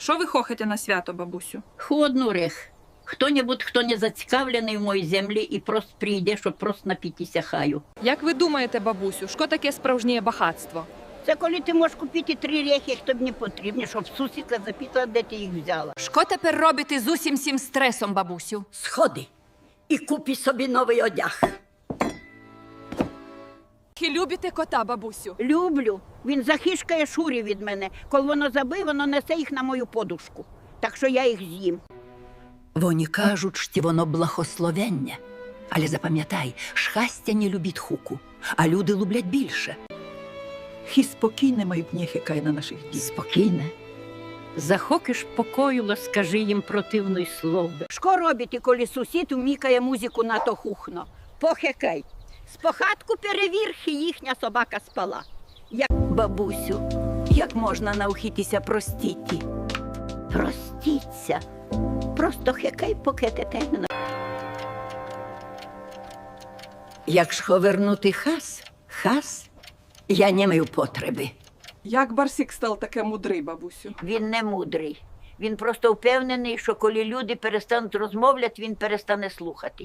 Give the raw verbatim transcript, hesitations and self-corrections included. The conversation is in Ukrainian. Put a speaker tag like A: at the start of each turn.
A: Що ви хохите на свято, бабусю?
B: Холодну рех. Хто-небудь, хто не зацікавлений в моїй землі і просто прийде, щоб просто напітися хаю.
A: Як ви думаєте, бабусю, що таке справжнє багатство?
B: Це коли ти можеш купити три рехи, як тобі не потрібні, щоб сусідка запитала, де ти їх взяла.
C: Що тепер робити з усім цим стресом, бабусю?
B: Сходи і купи собі новий одяг.
C: Чи любите кота, бабусю?
B: Люблю. Він захишкає шурі від мене. Коли воно забив, воно несе їх на мою подушку. Так що я їх з'їм.
D: Вони кажуть, що воно благословення. Але запам'ятай, щастя не любить хуку, а люди люблять більше.
E: І спокійне майбутнє хикає на наших дітей.
B: Спокійне. Захокиш покою, скажи їм противної слово. Що робити, коли сусід вмікає музику на то хухно? Похекай. З похатку перевірхи їхня собака спала.
D: Бабусю, як можна навчитися простіти?
B: Простіться. Просто хекай, поки те не.
D: Якщо вернути хас, хас, я не маю потреби.
E: Як Барсік став таке мудрий, бабусю?
B: Він не мудрий. Він просто впевнений, що коли люди перестануть розмовляти, він перестане слухати.